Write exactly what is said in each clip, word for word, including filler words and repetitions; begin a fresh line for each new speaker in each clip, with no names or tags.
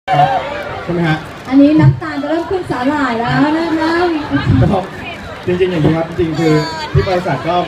ใช่ไหมฮะ
อันนี้น้ำตาลจะเริ่มขึ้นสาหร่ายแล้วนะครับ
ก็จริงๆอย่างนี้ครับจริงๆคือที่บริษัทก็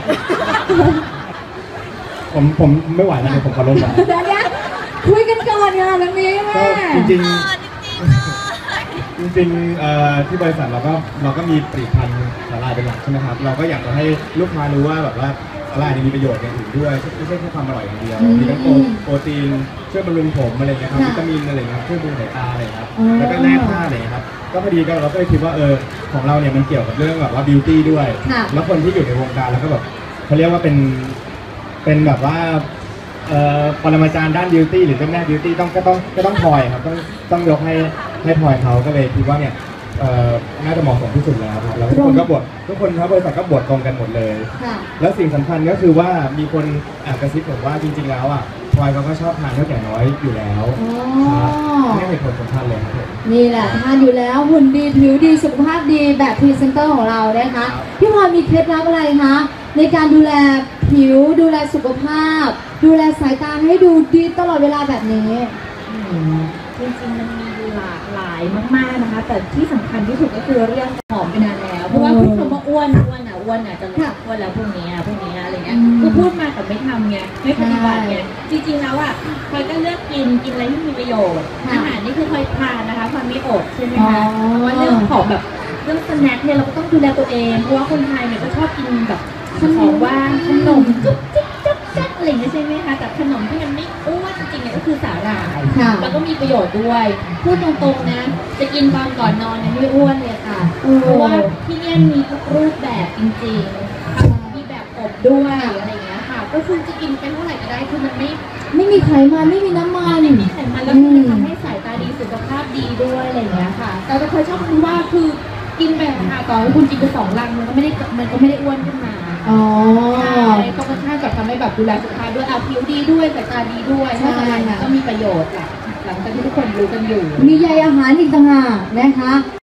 ผมผมไม่ไหวแล้วเดี๋ยวผมขอลงก่อน
เดี๋ยวนี้คุยกันก่อนค่ะตรงนี้แม่
ก็จริงๆจริงๆที่บริษัทเราก็เราก็มีผลิตภัณฑ์สาหร่ายเป็นหลักใช่ไหมครับเราก็อยากจะให้ลูกค้ารู้ว่าแบบว่าสาหร่ายมีประโยชน์อย่างอื่นด้วยไม่ใช่แค่ความอร่อยอย่างเดียวมีทั้งโปรตีนช่วยบำรุงผมอะไรเงี้ยครับวิตามินอะไรเงี้ยช่วยบำรุงสายตาอะไรครับแล้วก็แร่ธาตุอะไรครับก็พอดีก็เราก็เลยคิดว่าเออของเราเนี่ยมันเกี่ยวกับเรื่องแบบว่าบิวตี้ด้วยแล้วคนที่อยู่ในวงการแล้วก็แบบเขาเรียกว่าเป็นเป็นแบบว่าปรมาจารย์ด้านบิวตี้หรือเจ้าแม่บิวตี้ต้องก็ต้องก็ต้องพลอยครับต้องต้องยกให้ให้พลอยเขาก็เลยคิดว่าเนี่ยน่าจะเหมาะสมที่สุดแล้วครับแล้วทุกคนก็บททุกคนครับบริษัทก็บทตรงกันหมดเลยแล้วสิ่งสำคัญก็คือว่ามีคนแอบกระซิบผมว่าจริงๆแล้วอ่ะพลอยเขาก็ชอบทานข้าวแกงน้อยอยู่แล้วนี่เป็นผลสำคัญเลยครับ
นี่แหละทานอยู่แล้วหุ่นดีผิวดีสุขภาพดีแบบพรีเซนเตอร์ของเรานะคะพี่พลอยมีเคล็ดลับอะไรคะในการดูแลผิวดูแลสุขภาพดูแลสายตาให้ดูดีตลอดเวลาแบบนี้
จริงๆมันมีหลากหลายมากๆนะคะแต่ที่สำคัญที่สุดก็คือเรื่องผอมไปนานแล้วเพราะว่าพูดคำว่าอ้วนอ้วนอ่ะอ้วนอ่ะจะรู้อ้วนแล้วพวกนี้อ่ะพวกนี้อะไรเงี้ยคือพูดมาแต่ไม่ทำไงไม่ปฏิบัติไงจริงๆแล้วอ่ะพลอยก็เลือกกินกินอะไรที่มีประโยชน์อาหารนี่คือพลอยทานนะคะพลอยไม่อดใช่ไหมคะเพราะว่าเรื่องของแบบเรื่องสแน็คเนี่ยเราก็ต้องดูแลตัวเองเพราะว่าคนไทยเนี่ยก็ชอบกินแบบของว่างขนมจุ๊บจิ๊บจุ๊บจ๊บอะไรอย่างเงี้ยใช่ไหมคะแต่ขนมที่มันไม่อ้วนจริงๆเนี่ยก็คือสาหร่ายแล้วก็มีประโยชน์ด้วยพูดตรงๆนะจะกินตอนก่อนนอนเนี่ยไม่อ้วนเลยค่ะเพราะว่าที่นี่มีทุกรูปแบบจริงๆมีแบบอบด้วยอะไรอย่างเงี้ยค่ะก็คือจะกินไปเท่าไหร่ก็ได้คือมันไม่
ไม่มีไขมันไม่มีน้ำมัน
ไม่มีไขมันแล้วมันทำให้สายตาดีสุขภาพดีด้วยอะไรอย่างเงี้ยค่ะแต่เราเคยชอบคิดว่าคือกินไปค่ะต่อให้คุณกินไปสองลังมันก็ไม่ได้มันก็ไม่ได้อ้วนขึ้นมาอ๋อใช่ก็ค่อนข้างจะทำให้แบบดูแลสุขภาพด้วยอาผิวดีด้วยสายตาดีด้วยใช่ค่ะก็มีประโยชน์แหละหลังจากที่ทุกคนรู้กันอยู่
มีใยอาหารอีกต่างหากนะคะ